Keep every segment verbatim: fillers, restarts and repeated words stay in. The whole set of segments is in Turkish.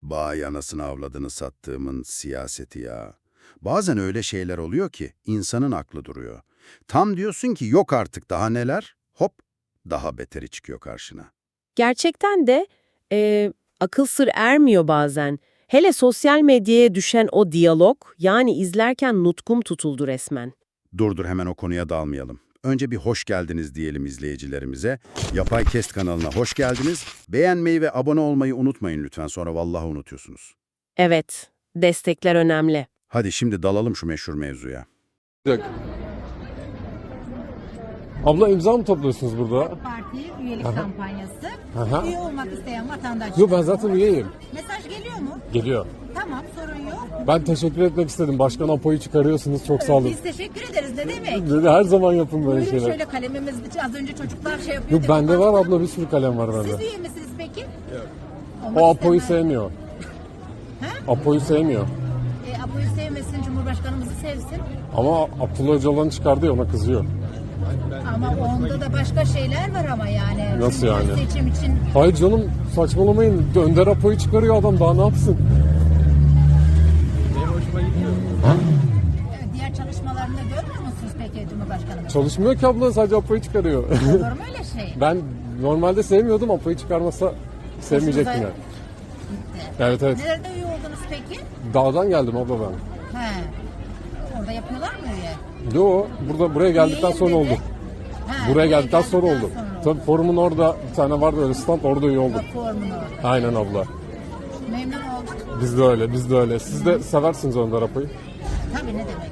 Vay anasını avladını sattığımın siyaseti ya. Bazen öyle şeyler oluyor ki insanın aklı duruyor. Tam diyorsun ki yok artık daha neler, hop daha beteri çıkıyor karşına. Gerçekten de e, akıl sır ermiyor bazen. Hele sosyal medyaya düşen o diyalog, yani izlerken nutkum tutuldu resmen. Dur dur hemen o konuya dalmayalım. Önce bir hoş geldiniz diyelim izleyicilerimize. Yapay Kest kanalına hoş geldiniz. Beğenmeyi ve abone olmayı unutmayın lütfen, sonra vallahi unutuyorsunuz. Evet, destekler önemli. Hadi şimdi dalalım şu meşhur mevzuya. Bir dakika. Abla imza mı topluyorsunuz burada? Parti üyelik Aha. kampanyası. Aha. Üye olmak isteyen vatandaşlar. Yok, ben zaten üyeyim. Mesaj geliyor mu? Geliyor. Tamam, sorun yok. Ben teşekkür etmek istedim. Başkan Apo'yu çıkarıyorsunuz. Çok sağ olun. Biz teşekkür ederiz. Ne demek? Dedi, her zaman yapın böyle Buyurun şeyler. şöyle kalemimiz az önce çocuklar şey yapıyor. Yok, bende var abla, bir sürü kalem var Siz bende. üye misiniz peki? Yok. O Apo'yu sevmiyor. Ha? Apo'yu sevmiyor. E, Apo'yu sevmesin, Cumhurbaşkanımızı sevsin. Ama Abdullah Öcalan'ı çıkardı ya, ona kızıyor. Ama onda da başka şeyler var ama yani. Nasıl Çünkü yani? Seçim için Hayır canım, saçmalamayın. Önder Apo'yu çıkarıyor adam, daha ne yapsın? e, diğer çalışmalarını görmüyor musunuz peki Cumhurbaşkanımız? Çalışmıyor ki abla, sadece Apo'yu çıkarıyor. Olur mu öyle şey? Ben normalde sevmiyordum, Apo'yu çıkarmasa sevmeyecektim Hoşunuza yani. gitti. Evet evet. Nerede üye oldunuz peki? Dağdan geldim abla ben. He. Orada yapıyorlar mı üye? Yo, burada buraya geldikten Üyeyim sonra dedi. oldu. Ha, Buraya geldikten sonra oldu. oldu. Tabii forumun orada bir tane vardı öyle stand, orada üye oldum. Bak formun orada. Aynen abla. Memnun olduk. Biz de öyle, biz de öyle. Siz de seversiniz Önder Apo'yu. Tabii, ne demek.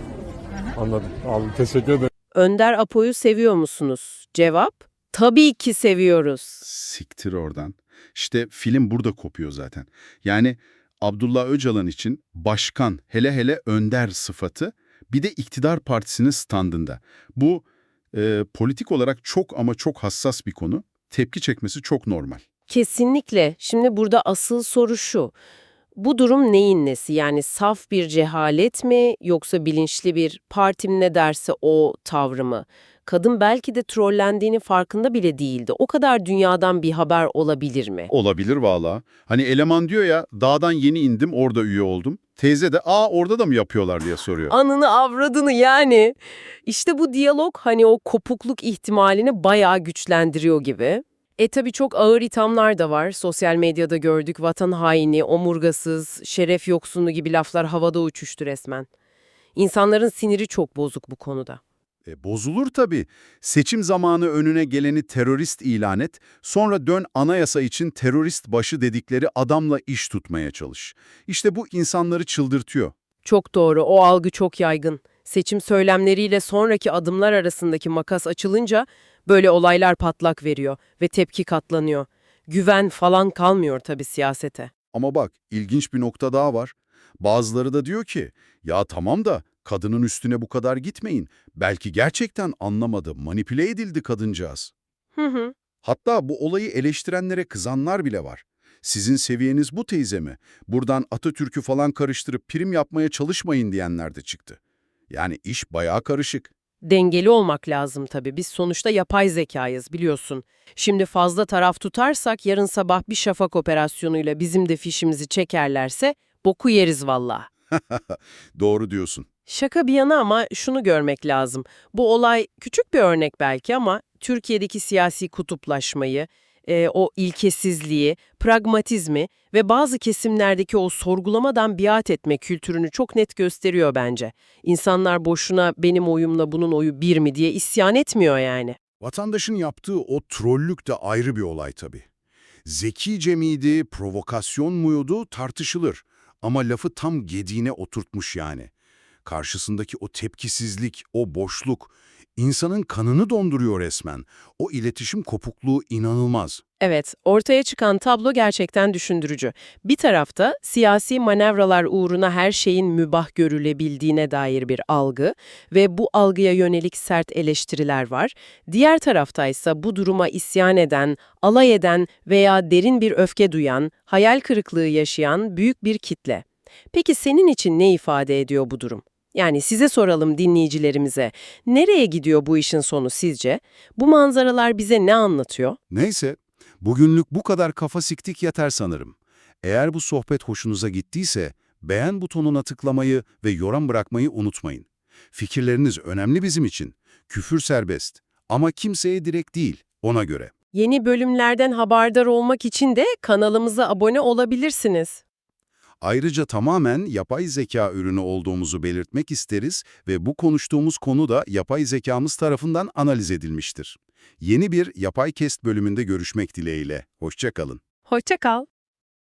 Aha. Anladım. Abi teşekkür ederim. Önder Apo'yu seviyor musunuz? Cevap, tabii ki seviyoruz. Siktir oradan. İşte film burada kopuyor zaten. Yani Abdullah Öcalan için başkan, hele hele önder sıfatı bir de iktidar partisinin standında. Bu e, politik olarak çok ama çok hassas bir konu. Tepki çekmesi çok normal. Kesinlikle. Şimdi burada asıl soru şu. Bu durum neyin nesi? Yani saf bir cehalet mi yoksa bilinçli bir partim ne derse o tavrı mı? Kadın belki de trollendiğinin farkında bile değildi. O kadar dünyadan bir haber olabilir mi? Olabilir valla. Hani eleman diyor ya, dağdan yeni indim orada üye oldum. Teyze de aa orada da mı yapıyorlar diye soruyor. Anını avradını yani. İşte bu diyalog hani o kopukluk ihtimalini bayağı güçlendiriyor gibi. E tabii çok ağır ithamlar da var. Sosyal medyada gördük, vatan haini, omurgasız, şeref yoksunu gibi laflar havada uçuştu resmen. İnsanların siniri çok bozuk bu konuda. E, bozulur tabii. Seçim zamanı önüne geleni terörist ilan et, sonra dön anayasa için terörist başı dedikleri adamla iş tutmaya çalış. İşte bu insanları çıldırtıyor. Çok doğru, o algı çok yaygın. Seçim söylemleriyle sonraki adımlar arasındaki makas açılınca böyle olaylar patlak veriyor ve tepki katlanıyor. Güven falan kalmıyor tabii siyasete. Ama bak, ilginç bir nokta daha var. Bazıları da diyor ki, ya tamam da kadının üstüne bu kadar gitmeyin. Belki gerçekten anlamadı, manipüle edildi kadıncağız. Hı hı. Hatta bu olayı eleştirenlere kızanlar bile var. Sizin seviyeniz bu teyze mi? Buradan Atatürk'ü falan karıştırıp prim yapmaya çalışmayın diyenler de çıktı. Yani iş bayağı karışık. Dengeli olmak lazım tabii. Biz sonuçta yapay zekayız biliyorsun. Şimdi fazla taraf tutarsak yarın sabah bir şafak operasyonuyla bizim de fişimizi çekerlerse boku yeriz valla. Doğru diyorsun. Şaka bir yana ama şunu görmek lazım. Bu olay küçük bir örnek belki ama Türkiye'deki siyasi kutuplaşmayı, e, o ilkesizliği, pragmatizmi ve bazı kesimlerdeki o sorgulamadan biat etme kültürünü çok net gösteriyor bence. İnsanlar boşuna benim oyumla bunun oyu bir mi diye isyan etmiyor yani. Vatandaşın yaptığı o trollük de ayrı bir olay tabii. Zekice miydi, provokasyon muydu tartışılır. Ama lafı tam gediğine oturtmuş yani. Karşısındaki o tepkisizlik, o boşluk, insanın kanını donduruyor resmen. O iletişim kopukluğu inanılmaz. Evet, ortaya çıkan tablo gerçekten düşündürücü. Bir tarafta siyasi manevralar uğruna her şeyin mübah görülebildiğine dair bir algı ve bu algıya yönelik sert eleştiriler var. Diğer taraftaysa bu duruma isyan eden, alay eden veya derin bir öfke duyan, hayal kırıklığı yaşayan büyük bir kitle. Peki senin için ne ifade ediyor bu durum? Yani size soralım dinleyicilerimize. Nereye gidiyor bu işin sonu sizce? Bu manzaralar bize ne anlatıyor? Neyse, bugünlük bu kadar kafa siktik yeter sanırım. Eğer bu sohbet hoşunuza gittiyse beğen butonuna tıklamayı ve yorum bırakmayı unutmayın. Fikirleriniz önemli bizim için. Küfür serbest ama kimseye direkt değil, ona göre. Yeni bölümlerden haberdar olmak için de kanalımıza abone olabilirsiniz. Ayrıca tamamen yapay zeka ürünü olduğumuzu belirtmek isteriz ve bu konuştuğumuz konu da yapay zekamız tarafından analiz edilmiştir. Yeni bir Yapay Kest bölümünde görüşmek dileğiyle. Hoşça kalın. Hoşça kal.